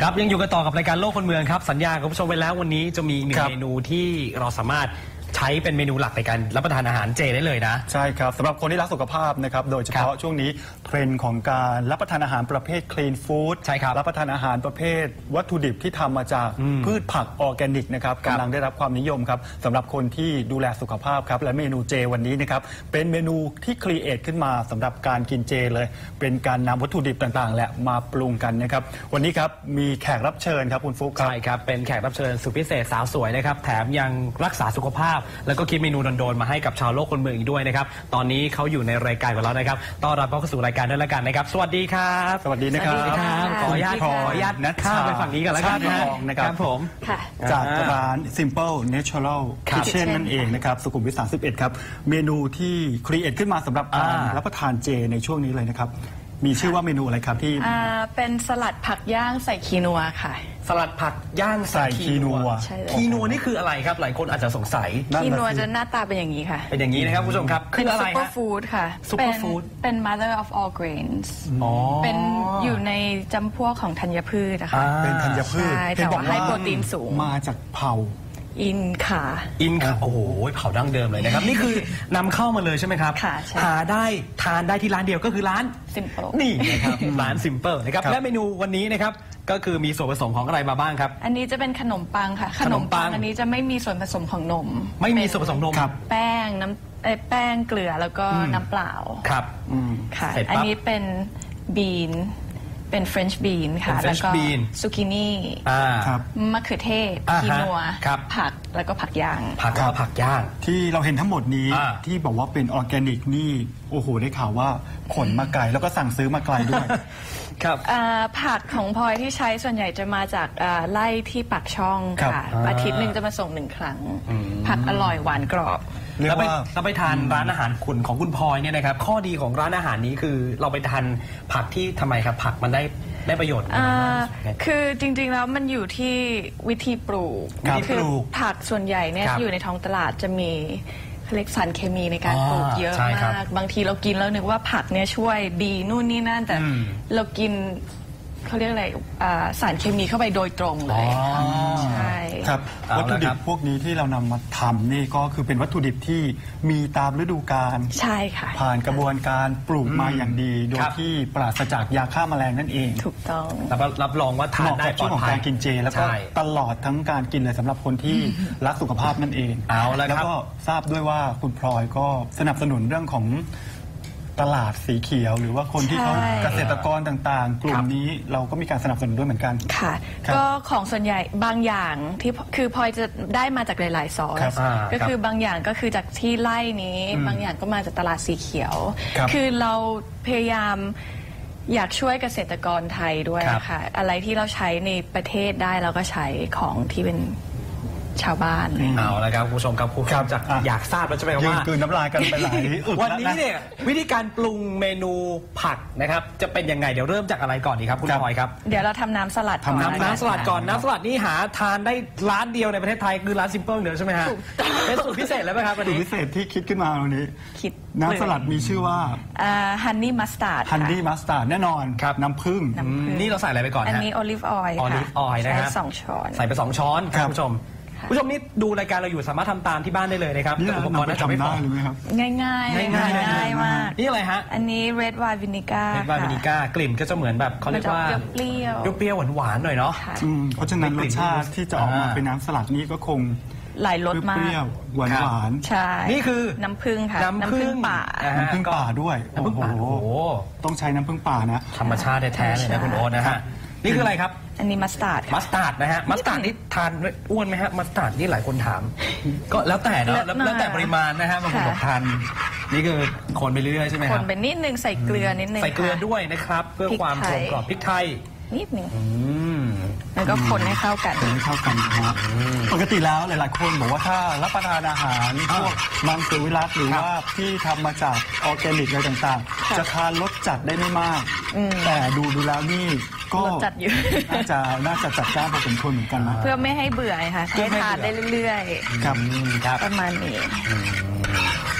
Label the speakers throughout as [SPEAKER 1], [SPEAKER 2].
[SPEAKER 1] ครับยังอยู่กันต่อกับรายการโลกคนเมืองครับสัญญากับผู้ชมไว้แล้ววันนี้จะมีหนึ่งเมนูที่เราสามารถใช้เป็นเมนูหลักในการรับประทานอาหารเจได้เลยนะ
[SPEAKER 2] ใช่ครับสำหรับคนที่รักสุขภาพนะครับโดยเฉพาะช่วงนี้เทรนด์ของการรับประทานอาหารประเภท clean food
[SPEAKER 1] ใช่ครับ
[SPEAKER 2] รับประทานอาหารประเภทวัตถุดิบที่ทำมาจากพืชผักออร์แกนิกนะครับกำลังได้รับความนิยมครับสำหรับคนที่ดูแลสุขภาพครับและเมนูเจวันนี้นะครับเป็นเมนูที่ครีเอทขึ้นมาสำหรับการกินเจเลยเป็นการนำวัตถุดิบต่างๆและมาปรุงกันนะครับวันนี้ครับมีแขกรับเชิญครับคุณฟุ๊กครับ
[SPEAKER 1] ใช่ครับเป็นแขกรับเชิญสุดพิเศษสาวสวยนะครับแถมยังรักษาสุขภาพแล้วก็คิดเมนูโดนๆมาให้กับชาวโลกคนเมืองอีกด้วยนะครับตอนนี้เขาอยู่ในรายการของเรานะครับต้อนรับเข้าสู่รายการด้วยแล้วกันนะครับสวัสดีครับ
[SPEAKER 2] สวัสดีนะครับ
[SPEAKER 1] ขออนุญาตข้ามไปฝั่งนี้กันแล้วกันนะครับผม
[SPEAKER 2] จากร้าน Simple Natural Kitchen นั่นเองนะครับสุขุมวิท 31ครับเมนูที่ครีเอทขึ้นมาสำหรับการรับประทานเจในช่วงนี้เลยนะครับมีชื่อว่าเมนูอะไรครับที่
[SPEAKER 3] เป็นสลัดผักย่างใส่คีนัวค่ะ
[SPEAKER 1] สลัดผักย่างใส่คีนัวคีนัวนี่คืออะไรครับหลายคนอาจจะสงสัย
[SPEAKER 3] คีนัวจะหน้าตาเป็นอย่างนี้ค่ะ
[SPEAKER 1] เป็นอย่างนี้นะครับผู้ชมครับ
[SPEAKER 3] คืออะไรซุปเปอร์ฟู้ดค่ะ
[SPEAKER 1] ซุปเปอร์ฟู้ด
[SPEAKER 3] เป็น mother of all grains เป็นอยู่ในจำพวกของธัญพืชนะคะ
[SPEAKER 2] เป็นธัญพืช
[SPEAKER 3] แต่ว่าให้โปรตีนสูง
[SPEAKER 2] มาจากเผ่า
[SPEAKER 3] อินค่ะ
[SPEAKER 1] โอ้โหเผาดั้งเดิมเลยนะครับนี่คือนำเข้ามาเลยใช่ไหมครับ
[SPEAKER 3] ค่ะ
[SPEAKER 1] ทานได้ที่ร้านเดียวก็คือร้าน
[SPEAKER 3] Simple
[SPEAKER 1] นี่นะครับร้าน Simple นะครับและเมนูวันนี้นะครับก็คือมีส่วนผสมของอะไรมาบ้างครับ
[SPEAKER 3] อันนี้จะเป็นขนมปังค่ะขนมปังอันนี้จะไม่มีส่วนผสมของนม
[SPEAKER 1] ไม่มีส่วนผสมนม
[SPEAKER 3] แป้งเกลือแล้วก็น้ำเปล่า
[SPEAKER 1] ครับ
[SPEAKER 3] ค่ะอันนี้เป็นบีนเป็นเฟรนช์บีนค่ะแล้วก็ซูกินี่มะเขือเทศคีนัวผักแล้วก็ผักย่าง
[SPEAKER 2] ที่เราเห็นทั้งหมดนี้ที่บอกว่าเป็นออร์แกนิกนี่โอ้โหได้ข่าวว่าขนมาไกลแล้วก็สั่งซื้อมาไกลด้วย
[SPEAKER 1] ครับ
[SPEAKER 3] ผักของพลอยที่ใช้ส่วนใหญ่จะมาจากไร่ที่ปากช่องค่ะอาทิตย์หนึ่งจะมาส่ง1 ครั้งผักอร่อยหวานกรอบ
[SPEAKER 1] แล้วไปทานร้านอาหารคุณของคุณพลอยเนี่ยนะครับข้อดีของร้านอาหารนี้คือเราไปทานผักที่ทำไมครับผักมันได้ประโยชน์
[SPEAKER 3] คือจริงๆแล้วมันอยู่ที่วิธีปลูกคือผักส่วนใหญ่เนี่ยที่อยู่ในท้องตลาดจะมีเรียกสารเคมีในการปลูกเยอะมากบางทีเรากินแล้วนึกว่าผักเนี่ยช่วยดีนู่นนี่นั่นแต่เรากินเขาเรียกอะไรสารเคมีเข้าไปโดยตรงเลยใช่
[SPEAKER 2] ครับวัตถุดิบพวกนี้ที่เรานำมาทำนี่ก็คือเป็นวัตถุดิบที่มีตามฤดูกาล
[SPEAKER 3] ใช่ค่ะ
[SPEAKER 2] ผ่านกระบวนการปลูกมาอย่างดีโดยที่ปราศจากยาฆ่าแมลงนั่นเอง
[SPEAKER 3] ถูกต้อง
[SPEAKER 1] รับรองว่าทานได้ปลอดภัย
[SPEAKER 2] ของการกินเจแล้วก็ตลอดทั้งการกินเลยสำหรับคนที่รักสุขภาพนั่นเองแล้วก็ทราบด้วยว่าคุณพลอยก็สนับสนุนเรื่องของตลาดสีเขียวหรือว่าคนที่เขาเกษตรกรต่างๆกลุ่มนี้เราก็มีการสนับสนุนด้วยเหมือนกัน
[SPEAKER 3] ค่ะก็ของส่วนใหญ่บางอย่างที่คือพลอยจะได้มาจากหลายๆซอสก็คือบางอย่างก็คือจากที่ไร่นี้บางอย่างก็มาจากตลาดสีเขียวคือเราพยายามอยากช่วยเกษตรกรไทยด้วยค่ะอะไรที่เราใช้ในประเทศได้เราก็ใช้ของที่เป็นชาวบ้าน
[SPEAKER 1] เอาละครับคุณผู้ชมครับคุณจะอยากทราบแล้วใช่ไหมว่า
[SPEAKER 2] คืนน้ำลายกันไปหลาย
[SPEAKER 1] วันนี้เนี่ยวิธีการปรุงเมนูผักนะครับจะเป็นยังไงเดี๋ยวเริ่มจากอะไรก่อนดีครับคุณพลอยครับ
[SPEAKER 3] เดี๋ยวเราทำน้ำสลัด
[SPEAKER 1] ก่อนน้ำสลัดก่อนน้ำสลัดนี่หาทานได้ร้านเดียวในประเทศไทยคือร้าน Simple เดียวใช่ไหมฮะเป็นสูตรพิเศษแล้วไหมครับ
[SPEAKER 2] สูตรพิเศษที่คิดขึ้นมาวันนี้น้ำสลัดมีชื่อว่า
[SPEAKER 3] ฮันนี่มัสตาร์ด
[SPEAKER 2] แน่นอนครับน้ำผึ้ง
[SPEAKER 1] นี่เราใส่อะไรไปก่อน
[SPEAKER 3] อันนี้โอลิฟออยล์
[SPEAKER 1] นะฮะ
[SPEAKER 3] 2 ช้อน
[SPEAKER 1] ใส่ไป2 ช้อนครับผู้ชมนี่ดูรายการเราอยู่สามารถทำตามที่บ้านได้เลยนะครับ
[SPEAKER 2] อุปกรณ์น่าจะไม่พอ
[SPEAKER 3] ง่ายมาก
[SPEAKER 1] นี่อะไรฮะ
[SPEAKER 3] อันนี้ red wine vinegar
[SPEAKER 1] กลิ่นก็จะเหมือนแบบเขาเรียกว่า
[SPEAKER 3] เปรี้
[SPEAKER 1] ยวหวานๆหน่อยเนาะ
[SPEAKER 2] เพราะฉะนั้นรสชาติที่จะออกมาเป็นน้ำสลัดนี่ก็คง
[SPEAKER 3] หลายรสมาก
[SPEAKER 2] เปรี้ยวหวาน
[SPEAKER 3] ใช่
[SPEAKER 1] นี่คือ
[SPEAKER 3] น้ำผึ้งค่ะ
[SPEAKER 1] น้ำผึ้้ง
[SPEAKER 2] ป่าด้วยโอ้โหต้องใช้น้ำผึ้งป่านะ
[SPEAKER 1] ธรรมชาติแท้ๆเลยนะคุณโอ๊ตนะฮะนี่คืออะไรครับ
[SPEAKER 3] อันนี้มัสตาร์ด
[SPEAKER 1] นะฮะมัสตาร์ดนี่ทานอ้วนไหมฮะมัสตาร์ดนี่หลายคนถามก็แล้วแต่เนาะแล้วแต่ปริมาณนะฮะบางคนบอกทานนี่คือคนไปเรื่อยๆใช่ไหมครับ
[SPEAKER 3] คนไปนิดนึงใส่เกลือนิดนึง
[SPEAKER 1] ใส่เกลือด้วยนะครับเพื่อความกลมกล่อมพริกไทย
[SPEAKER 3] นิดนึงแล้วก็คนให้เข้ากัน
[SPEAKER 2] ครับปกติแล้วหลายๆคนบอกว่าถ้ารับประทานอาหารพวกมังสวิรัติหรือว่าที่ทำมาจากออร์แกนิกอะไรต่างๆจะทานรสจัดได้ไม่มากแต่ดูแล้วนี่ก็น่าจะจัดจ้านพอสมควรเหมือนกันนะ
[SPEAKER 3] เพื่อไม่ให้เบื่อค่ะให้ทานได้เรื่อย
[SPEAKER 1] ๆครับ
[SPEAKER 3] ประมาณนี้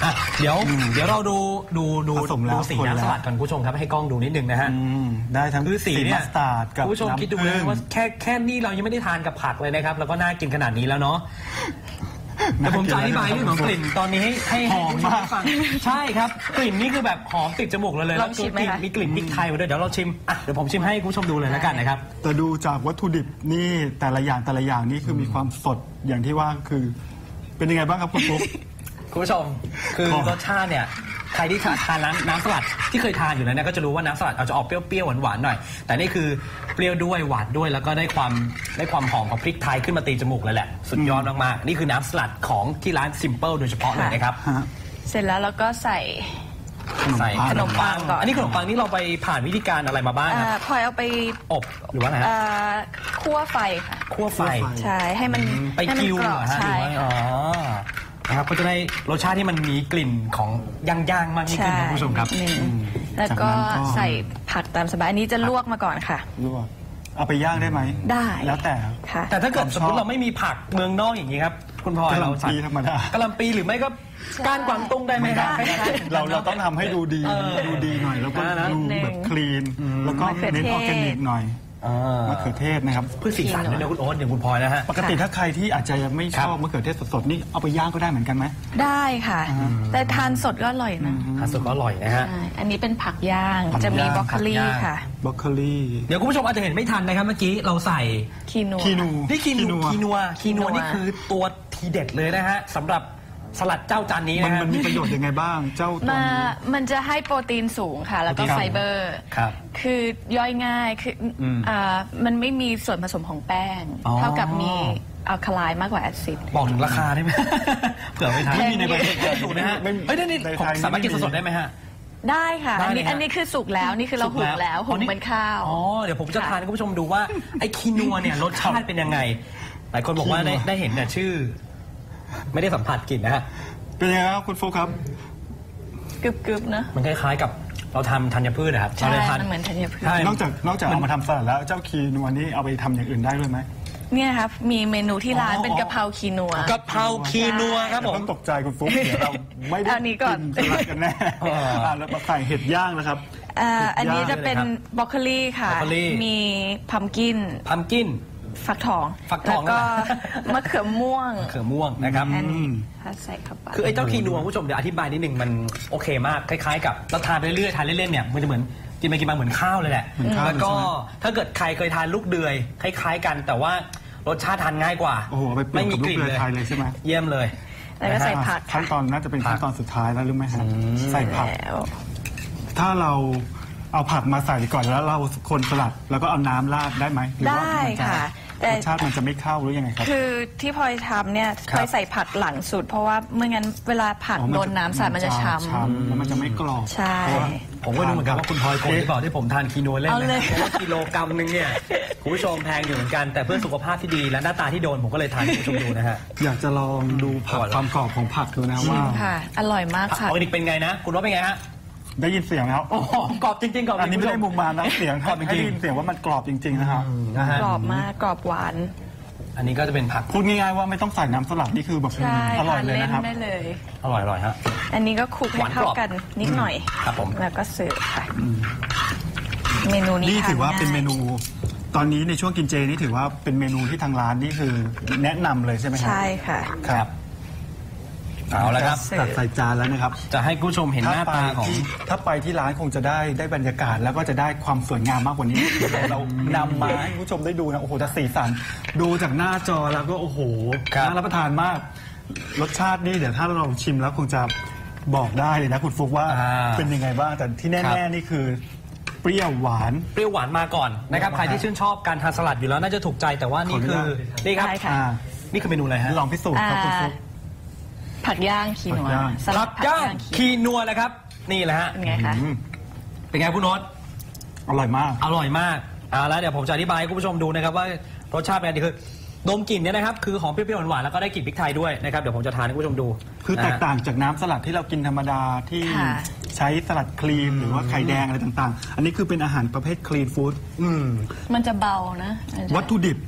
[SPEAKER 1] เดี๋ยวเราดู
[SPEAKER 2] ผสมแล้ว
[SPEAKER 1] สีน้ำสลัดกันคุณผู้ชมครับให้กล้องดูนิดนึงนะฮะ
[SPEAKER 2] ได้ทั้ง
[SPEAKER 1] คือสีเนี่ย
[SPEAKER 2] มัสตาร์ดกับ
[SPEAKER 1] คุณผู้ชมคิดดูนะว่าแค่นี้เรายังไม่ได้ทานกับผักเลยนะครับแล้วก็น่ากินขนาดนี้แล้วเนาะแต่ผมจะอธิบายเรื่องของกลิ่นตอนนี้ให้
[SPEAKER 2] หอมมาก
[SPEAKER 1] ฟังใช่ครับกลิ่นนี่คือแบบหอมติดจมูกเลย
[SPEAKER 3] ลองชิมไหมคะ
[SPEAKER 1] มีกลิ่นพริกไทยมาด้วยเดี๋ยวเราชิมเดี๋ยวผมชิมให้คุณผู้ชมดูเลยแล้วกันนะครับ
[SPEAKER 2] แต่ดูจากวัตถุดิบนี่แต่ละอย่างนี่คือมีความสดอย่างที่ว่าคือเป็นยังไงบ้างครับคุณปุ๊ก
[SPEAKER 1] คุณผู้ชมคือรสชาติเนี่ยใครที่ทานน้ำสลัดที่เคยทานอยู่แล้วเนี่ยก็จะรู้ว่าน้ำสลัดอาจจะออกเปรี้ยวๆหวานๆหน่อยแต่นี่คือเปรี้ยวด้วยหวานด้วยแล้วก็ได้ความหอมของพริกไทยขึ้นมาตีจมูกเลยแหละสุดยอดมากๆนี่คือน้ำสลัดของที่ร้าน Simple โดยเฉพาะเลยนะครับ
[SPEAKER 3] เสร็จแล้วเราก็ใส่
[SPEAKER 1] ใส่
[SPEAKER 3] ขนมปังก่อน
[SPEAKER 1] อันนี้ขนมปังนี่เราไปผ่านวิธีการอะไรมาบ้างครับ
[SPEAKER 3] พลอยเอาไป
[SPEAKER 1] อบหรือว่าอะไรฮะ
[SPEAKER 3] คั่วไฟค่ะ
[SPEAKER 1] คั่วไฟ
[SPEAKER 3] ใช่ให้มัน
[SPEAKER 1] ไป
[SPEAKER 3] ให้มัน
[SPEAKER 1] กิ้ว
[SPEAKER 3] ก
[SPEAKER 1] เห
[SPEAKER 3] ร
[SPEAKER 1] ร
[SPEAKER 3] อ
[SPEAKER 1] อบ ฮะหรื
[SPEAKER 3] ใช่
[SPEAKER 1] อว่าอ๋อ
[SPEAKER 3] ค่ะ
[SPEAKER 1] นะครับก็จะได้รสชาติที่มันมีกลิ่นของย่างๆมากยิ่งขึ้นนะคุณผู้ชมครับ
[SPEAKER 3] นิดนึงแล้วก็ใส่ผักตามสบายอันนี้จะลวกมาก่อนค่ะ
[SPEAKER 2] ลวกเอาไปย่างได้ไหม
[SPEAKER 3] ได้
[SPEAKER 2] แล้วแต่
[SPEAKER 3] ค่ะ
[SPEAKER 1] แต่ถ้าเกิดสมมติเราไม่มีผักเมืองนอกอย่างนี้ครับคุณพลอย
[SPEAKER 2] กะห
[SPEAKER 1] เรา
[SPEAKER 2] ล่ำ
[SPEAKER 1] ใส่
[SPEAKER 2] ปีธรรมดาก
[SPEAKER 1] ะหล่ำปีหรือไม่ก็ก้านกวางตุ้งได้ไหมครับ
[SPEAKER 2] เราต้องทำให้ดูดีหน่อยแล้วก็ดูแบบคลีนแล้วก็เน้นออร์แกนิกหน่อยมะเขือเทศนะครับ
[SPEAKER 1] เพื่อสีสันด้วยนะคุณโอ๊ตอย่างคุณพลอยนะฮะ
[SPEAKER 2] ปกติถ้าใครที่อาจจะยังไม่ชอบมะเขือเทศสดๆนี่เอาไปย่างก็ได้เหมือนกันไหม
[SPEAKER 3] ได้ค่ะ แต่ทานสดก็อร่อยนะ
[SPEAKER 1] ทานสดก็อร่อยนะฮะ
[SPEAKER 3] ใช่อันนี้เป็นผักย่างจะมีบรอกโคลีค่ะ
[SPEAKER 2] บรอกโคลี
[SPEAKER 1] เดี๋ยวคุณผู้ชมอาจจะเห็นไม่ทันนะครับเมื่อกี้เราใส่
[SPEAKER 3] คีนัว
[SPEAKER 2] คีนู
[SPEAKER 1] นี่คีนัวนี่คือตัวทีเด็ดเลยนะฮะสำหรับสลัดเจ้าจานนี้นะฮะ
[SPEAKER 2] มันมีประโยชน์ยังไงบ้างเจ้าตัวนี้
[SPEAKER 3] มันจะให้โปรตีนสูงค่ะ แล้วก็
[SPEAKER 2] ครับ
[SPEAKER 3] ไฟเบอร์
[SPEAKER 1] ครับ
[SPEAKER 3] คือย่อยง่ายคือมันไม่มีส่วนผสมของแป้ง
[SPEAKER 1] อ๋อ
[SPEAKER 3] เท่ากับมีอัลคาไลน์มากกว่าแอซิด
[SPEAKER 1] บอกถึงราคาได้ไหม เผื่อไม่ทัน
[SPEAKER 3] ไม่มีในใบ
[SPEAKER 1] ถูกนะฮะเฮ้ยนี่ผมสามารถกินสดๆได้ไหมฮะ
[SPEAKER 3] ได้ค่ะ
[SPEAKER 1] ได้
[SPEAKER 3] อัน
[SPEAKER 1] เลย
[SPEAKER 3] นี้
[SPEAKER 1] ฮะ
[SPEAKER 3] อันนี้คือสุกแล้วนี่คือเราหุงแล้วหุงเหมือนข้าว
[SPEAKER 1] อ๋อเดี๋ยวผมจะทานให้คุณผู้ชมดูว่าไอ้คีนัวเนี่ยรสชาติเป็นยังไงหลายคนบอกว่าได้เห็นแต่ชื่อ ไม่ได้สัมผัสกลิ่นนะฮะ
[SPEAKER 2] เป็นยังไงครับคุณโฟครับ
[SPEAKER 3] กรึบๆนะ
[SPEAKER 1] มันคล้ายๆกับเราทำธัญพืชนะครับ
[SPEAKER 3] ใช่
[SPEAKER 1] เราเลยทาน
[SPEAKER 3] มันเหมือนธัญพืช
[SPEAKER 1] ใช่
[SPEAKER 2] นอกจากเอามาทำสลัดแล้วเจ้าคีนัวนี่เอาไปทำอย่างอื่นได้ด้วยไหม
[SPEAKER 3] เนี่ยครับมีเมนูที่ร้านเป็นกะเพราคีนัว
[SPEAKER 1] กะเพราคีนัวครับผม
[SPEAKER 2] ต้องตกใจคุณฟุ๊กเดี๋ยวเราไม่ได้
[SPEAKER 3] เอานี้ก่อน
[SPEAKER 2] สลัดกันแน่แล้วมาใส่เห็ดย่างนะครับ
[SPEAKER 3] อันนี้จะเป็นบรอกโคลีค่ะ
[SPEAKER 1] บรอกโคลี
[SPEAKER 3] มีพัมกิน
[SPEAKER 1] พัมกิน
[SPEAKER 3] ฟักทอง
[SPEAKER 1] ฟักทอง
[SPEAKER 3] แล้วก็
[SPEAKER 1] นั่นแหละ
[SPEAKER 3] มะเขือม่วง
[SPEAKER 1] เขือม่วงนะครับ
[SPEAKER 3] อันนี้ถ้าใส่เข้าไป
[SPEAKER 1] คือไอ้เจ้าคีนัวคุณผู้ชมเดี๋ยวอธิบายนิดนึงมันโอเคมากคล้ายๆกับเราทานไปเรื่อยๆทานเล่นๆเนี่ยมันจะเหมือนกินไปกินมาเหมือนข้าวเลยแหละ
[SPEAKER 2] เหมือนข้าว
[SPEAKER 1] แล้วก็
[SPEAKER 2] ใช่ไหม
[SPEAKER 1] ถ้าเกิดใครเคยทานลูกเดือยคล้ายๆกัน แต่ว่ารสชาติทานง่ายกว่า
[SPEAKER 2] โอ้โหเอาไปเปรียบกับลูกเดือยไทยเลยใช่ไหม
[SPEAKER 1] เยี่ยมเลย
[SPEAKER 3] แล้วก็ใส่ผัก
[SPEAKER 2] ขั้นตอนน่าจะเป็นขั้นตอนสุดท้ายแล้วหรือไม่ฮะใส่ผัก
[SPEAKER 3] แล้ว
[SPEAKER 2] ถ้าเราเอาผักมาใส่ก่อนแล้วเราคนสลัดแล้วก็เอาน้ำราดได้ไหมหรือว่า
[SPEAKER 3] ได้
[SPEAKER 2] มันจะ
[SPEAKER 3] ค่ะ แต่
[SPEAKER 2] รสชาติมันจะไม่เข้าหรือยังไงครับ
[SPEAKER 3] คือที่พลอยทำเนี่ย
[SPEAKER 1] ครับ
[SPEAKER 3] พลอยใส่ผักหลังสุด เพราะว่าไม่งั้นเวลาผัก
[SPEAKER 2] อ๋อ
[SPEAKER 3] โดนน้ำสาดมันจะช้ำ
[SPEAKER 2] แล้วมันจะไม่กรอบ
[SPEAKER 3] ใช่
[SPEAKER 1] ผมก็ดูเหมือนกันว่าคุณพลอยโกงหรือเปล่าที่ผมทานคีนัวเล่น
[SPEAKER 3] เอาเลย
[SPEAKER 1] เพราะว่ากิโลกรัมนึงเนี่ยคุณผู้ชมแพงอยู่เหมือนกันแต่เพื่อสุขภาพที่ดีและหน้าตาที่โดนผมก็เลยทานให้คุณผู้ชมดูนะฮะ
[SPEAKER 2] อยากจะลองดูผัก
[SPEAKER 1] อร่อย
[SPEAKER 2] ความกรอบของผักดูนะว่า
[SPEAKER 3] ค่ะ อร่อยมาก
[SPEAKER 1] ผักอ
[SPEAKER 3] ค่ะ
[SPEAKER 1] อร์แกนิกเป็นไงนะคุณว่าเป็นไงฮะ
[SPEAKER 2] ได้ยินเสียงแล้ว
[SPEAKER 1] โอ้โหกรอบจริงๆกรอบจ
[SPEAKER 2] อัน
[SPEAKER 1] ริ
[SPEAKER 2] นี้
[SPEAKER 1] งๆ
[SPEAKER 2] ไม่ได้มุมมามนะเสียง
[SPEAKER 1] กรอบจ
[SPEAKER 2] ให้
[SPEAKER 1] ริ
[SPEAKER 2] ได้
[SPEAKER 1] ง
[SPEAKER 2] ยินเสียงว่ามันกรอบจริงๆนะครับ
[SPEAKER 1] ๆนะฮะ
[SPEAKER 3] กรอบมากกรอบหวาน
[SPEAKER 1] อันนี้ก็จะเป็นผัก
[SPEAKER 2] พูดง่ายๆว่าไม่ต้องใส่น้ำสลัดนี่คือแบบ
[SPEAKER 3] ใช่
[SPEAKER 2] อร่อย
[SPEAKER 3] ทาน
[SPEAKER 2] เลย
[SPEAKER 3] เล่น
[SPEAKER 2] นะครับ
[SPEAKER 3] ได้เลย
[SPEAKER 1] อร่อยๆฮะ
[SPEAKER 3] อันนี้ก็คลุกให้
[SPEAKER 1] หวานกร
[SPEAKER 3] เข้า
[SPEAKER 1] อบ
[SPEAKER 3] กันนิดหน่อย
[SPEAKER 1] ครับผม
[SPEAKER 3] แล้วก็เสิร์ฟค่ะ เมนูนี้
[SPEAKER 2] นี่ถือว่า
[SPEAKER 3] ทง่ย
[SPEAKER 2] เป็นเมนู ตอนนี้ในช่วงกินเจนี่ถือว่าเป็นเมนูที่ทางร้านนี่คือแนะนำเลยใช่ไหมครั
[SPEAKER 3] ใช่ค่ะ
[SPEAKER 2] ครับ
[SPEAKER 1] เอาละครับ
[SPEAKER 2] ตัดใส่จานแล้วนะครับ
[SPEAKER 1] จะให้คุณผู้ชมเห็นหน้าตาของ
[SPEAKER 2] ถ้าไปที่ร้านคงจะได้บรรยากาศแล้วก็จะได้ความสวยงามมากกว่านี้ เรานำมาให้คุณผู้ชมได้ดูนะโอ้โหแต่สีสันดูจากหน้าจอแล้วก็โอ้โห
[SPEAKER 1] ครับ
[SPEAKER 2] น่ารับประทานมาก รสชาตินี่เดี๋ยวถ้าเราชิมแล้วคงจะบอกได้เลยนะคุณฟุกว่าเป็นยังไงบ้างแต่ที่แน่ๆนี่คือ เปรี้ยวหวาน
[SPEAKER 1] เปรี้ยวหวานมาก่อนนะครับใครที่ชื่นชอบการทานสลัดอยู่แล้วน่าจะถูกใจแต่ว่านี่คือนี่ครับ
[SPEAKER 3] ได้ค่ะ
[SPEAKER 1] นี่คือเมนูอะไรฮะ
[SPEAKER 2] ลองพิสูจน์ครับคุณฟุก
[SPEAKER 3] ผักย่างคีนัว
[SPEAKER 2] ผักย่าง
[SPEAKER 3] สลั
[SPEAKER 1] ผั
[SPEAKER 3] ด
[SPEAKER 1] กย่างคีนัวเลยครับ นี่แหละฮะ
[SPEAKER 3] เป็นไงคะ
[SPEAKER 1] เป็นไงคุณโน้ต
[SPEAKER 2] อร่อยมาก
[SPEAKER 1] อร่อยมากแล้วเดี๋ยวผมจะอธิบายให้คุณผู้ชมดูนะครับว่ารสชาติเป็นไงคือดมกลิ่นเนี่ยนะครับคือหอมเปรี้ยวๆหวานๆแล้วก็ได้กลิ่นพริกไทยด้วยนะครับเดี๋ยวผมจะทานให้คุณผู้ชมดู
[SPEAKER 2] คือแตกต่างจากน้ำสลัดที่เรากินธรรมดาที่
[SPEAKER 3] ค่ะ
[SPEAKER 2] ใช้สลัดครีมหรือว่าไข่แดงอะไรต่างๆ อันนี้คือเป็นอาหารประเภทคลีนฟู้ด
[SPEAKER 3] มันจะเบานะ
[SPEAKER 2] วัตถุดิบ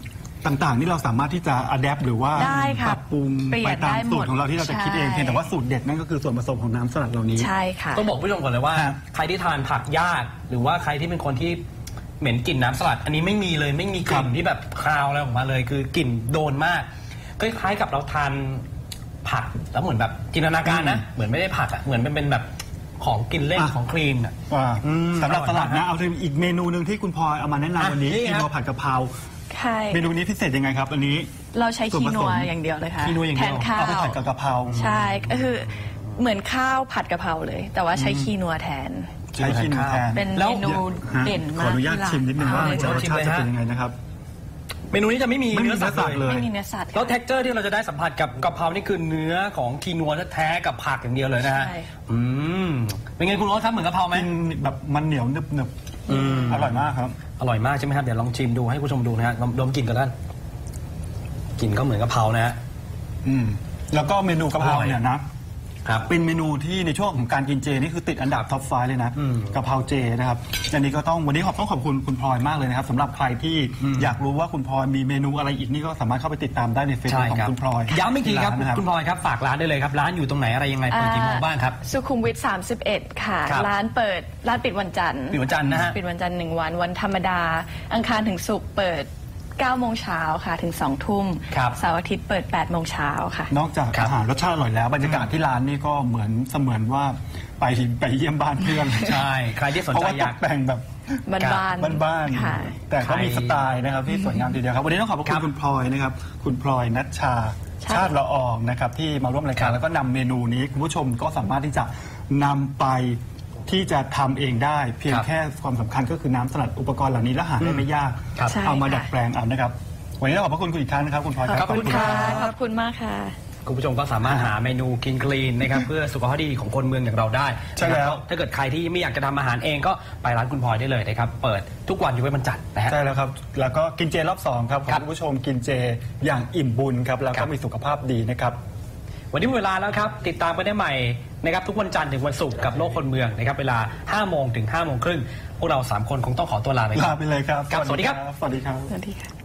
[SPEAKER 2] ต่างๆนี่เราสามารถที่จะอัดแอปหรือว่า
[SPEAKER 3] ได้ค่ะ
[SPEAKER 2] ปรับปรุง
[SPEAKER 3] เปลี่ยน
[SPEAKER 2] ไปตาม
[SPEAKER 3] ได้หมด
[SPEAKER 2] สูตรของเราที่เราจะคิดเอง
[SPEAKER 3] ใช่
[SPEAKER 2] เพียงแต่ว่าสูตรเด็ดนั่นก็คือส่วนผสมของน้ำสลัดเหล่านี้
[SPEAKER 3] ใช่ค่ะ
[SPEAKER 1] ต้องบอกผู้ชมก่อนเลยว่า
[SPEAKER 2] ครับ
[SPEAKER 1] ใครที่ทานผักยากหรือว่าใครที่เป็นคนที่เหม็นกลิ่นน้ำสลัด อันนี้ไม่มีเลยไม่มีกลิ่นที่แบบคาวอะไรออกมาเลย คือกลิ่นโดนมากคล้ายๆกับเราทานผักแล้วเหมือนแบบจินตนาการนะเหมือนไม่ได้ผักอ่ะเหมือนเป็นแบบของกินเล่นของครีมอ่ะ
[SPEAKER 2] ว่าสำหรับ
[SPEAKER 1] อร่อย
[SPEAKER 2] สลัด
[SPEAKER 1] มาก
[SPEAKER 2] นะเอาถึงอีกเมนูหนึ่งที่คุณพลอยเอามาแนะนำวันนี้
[SPEAKER 1] นี่
[SPEAKER 2] คี
[SPEAKER 1] ครับ
[SPEAKER 2] โนผัดกะเพรา
[SPEAKER 3] ใช่
[SPEAKER 2] เมนูนี้พิเศษยังไงครับอันนี้
[SPEAKER 3] เราใช้
[SPEAKER 2] ส่วน
[SPEAKER 3] คี
[SPEAKER 2] ผส
[SPEAKER 3] นั
[SPEAKER 2] ม
[SPEAKER 3] วอย่างเดียวเลยค่ะ
[SPEAKER 1] คีนัวอย่าง
[SPEAKER 3] แท
[SPEAKER 1] เดียว
[SPEAKER 3] นข้าว
[SPEAKER 2] เอาไปผัดกับกะเพรา
[SPEAKER 3] ใช่ก็คือเหมือนข้าวผัดกะเพราเลย แต่ว่าใช้คีนัวแทน
[SPEAKER 2] ใช้คีโนแทน
[SPEAKER 3] เป็น
[SPEAKER 1] แล้ว
[SPEAKER 3] เมนูเด่น
[SPEAKER 2] ข
[SPEAKER 3] มา
[SPEAKER 2] อก อนุญาตชิมนิดนึงว่า
[SPEAKER 3] ที่
[SPEAKER 2] จะ
[SPEAKER 3] ร้าน
[SPEAKER 2] รสชาติจะเป็นยังไงนะครับ
[SPEAKER 1] เมนูนี้จะไม่มี
[SPEAKER 2] ไม่มี
[SPEAKER 1] เนื้อสัตว์
[SPEAKER 2] เนื้อสัตว์
[SPEAKER 1] เล
[SPEAKER 2] เลย ย
[SPEAKER 3] ไม่มีเนื้อสัตว์
[SPEAKER 1] แล้วเท็กเจอร์ที่เราจะได้สัมผัสกับกะเพรานี่คือเนื้อของคีนัวแท้ๆกับผักอย่างเดียวเลยนะฮะ
[SPEAKER 3] ใช่
[SPEAKER 1] เป็นไงคุณโอ๊ตครับเหมือนกะเพราไหม
[SPEAKER 2] กินแบบมันเหนียวหนึบๆอร่อยมากครับ
[SPEAKER 1] อร่อยมากใช่ไหมครับเดี๋ยวลองชิมดูให้ผู้ชมดูนะฮะดมกลิ่นกันด้านกลิ่นก็เหมือนกะเพรานะฮะ
[SPEAKER 2] แล้วก็เมนูกะเพรา
[SPEAKER 1] อร่อย
[SPEAKER 2] เนี่ยนะครับ เป็นเมนูที่ในช่วงของการกินเจนี่คือติดอันดับท็อปไฟเลยนะกะเพราเจนะครับอันนี้ก็ต้องวันนี้ต้องขอบคุณคุณพลอยมากเลยนะครับสำหรับใครที่อยากรู้ว่าคุณพลอยมีเมนูอะไรอีกนี่ก็สามารถเข้าไปติดตามได้ในเฟซ
[SPEAKER 1] ใช่
[SPEAKER 2] บุ๊กขอ
[SPEAKER 1] ครับ
[SPEAKER 2] งคุณพลอย
[SPEAKER 1] ย้ำอีกทีครับ
[SPEAKER 2] ที่านนะ
[SPEAKER 1] คุณพลอยครับฝากร้านได้เลยครับร้านอยู่ตรงไหนอะไรยังไงเปิดกี่โมงบ้างครับ
[SPEAKER 3] สุขุมวิท 31 ค่ะ
[SPEAKER 1] ครับ
[SPEAKER 3] ร้านปิดวันจันทร์
[SPEAKER 1] ปิดวันจันทร์นะฮะ
[SPEAKER 3] ปิดวันจันทร์1 วัน วันธรรมดา อังคารถึงศุกร์เปิด 9 โมงเช้าค่ะถึง 2 ทุ่ม
[SPEAKER 1] ครับ
[SPEAKER 3] เสาร์อาทิตย์เปิด 8 โมงเช้าค่ะ
[SPEAKER 2] นอกจาก
[SPEAKER 1] ครับ
[SPEAKER 2] อาหารรสชาติอร่อยแล้วบรรยากาศที่ร้านนี่ก็เหมือนว่าไปเยี่ยมบ้านเพื่อน
[SPEAKER 1] ใช่ใครที่สน
[SPEAKER 2] เพราะ
[SPEAKER 1] ใจ
[SPEAKER 2] ว่า
[SPEAKER 1] อ
[SPEAKER 2] ต
[SPEAKER 1] ยาก
[SPEAKER 2] กแต่งแบบ
[SPEAKER 3] บ้านๆ
[SPEAKER 2] บ้าน
[SPEAKER 3] ค่ะ
[SPEAKER 2] ๆแต่ก็มีสไตล์นะครับที่สวยงามทีเดียวครับวันนี้ต้องขอบพระ
[SPEAKER 1] ค
[SPEAKER 2] คุ
[SPEAKER 1] รั
[SPEAKER 2] ณ
[SPEAKER 1] บ
[SPEAKER 2] คุณพลอยนะครับคุณพลอยนัชชาชาติละอองนะครับที่มาร่วมรายการแล้วก็นำเมนูนี้คุณผู้ชมก็สามารถที่จะนำไปที่จะทำเองได้ เพียง
[SPEAKER 1] ครับ
[SPEAKER 2] แค่ความสำคัญก็คือน้ำสลัดอุปกรณ์เหล่านี้และหาได้ไม่ยาก
[SPEAKER 1] ครับ
[SPEAKER 3] ใช่
[SPEAKER 2] เอามา
[SPEAKER 3] ค่ะ
[SPEAKER 2] ดัดแปลงเอานะครับวันนี้ต้องขอบพระคุณคุณอีกครั้งนะครับคุณพลอยครับ
[SPEAKER 3] ขอบคุณค่ะ ขอบคุณมากค่ะ
[SPEAKER 1] คุณผู้ชมก็สามารถหาเมนูกินคลีนนะครับ เพื่อสุขภาพที่ดีของคนเมืองอย่างเราได้
[SPEAKER 2] ใช่แล้ว
[SPEAKER 1] นะครับถ้าเกิดใครที่ไม่อยากจะทำอาหารเองก็ไปร้านคุณพลอยได้เลยนะครับเปิดทุกวันอยู่ไว้วันจันทร์นะฮะ
[SPEAKER 2] ใช่แล้วครับแล้วก็กินเจรอบ2ครับขอ
[SPEAKER 1] ครั
[SPEAKER 2] ให้
[SPEAKER 1] บ
[SPEAKER 2] คุณผู้ชมกินเจอย่างอิ่มบุญครับแล้ว
[SPEAKER 1] ครั
[SPEAKER 2] ก็
[SPEAKER 1] บ
[SPEAKER 2] มีสุขภาพดีนะครับ
[SPEAKER 1] วันนี้หมดเวลาแล้วครับติดตามกันได้ใหม่นะครับทุกวันจันทร์ถึงวันศุกร์กับโลกคนเมืองนะครับเวลา 5 โมงถึง 5 โมงครึ่งพวกเรา 3 คนคงต้องขอตัวลาไปก่อน
[SPEAKER 2] ลาไปเลยครับ
[SPEAKER 1] ครับสวัสดีครับ
[SPEAKER 2] สวัสดีครับ
[SPEAKER 3] สวัสดีค่ะ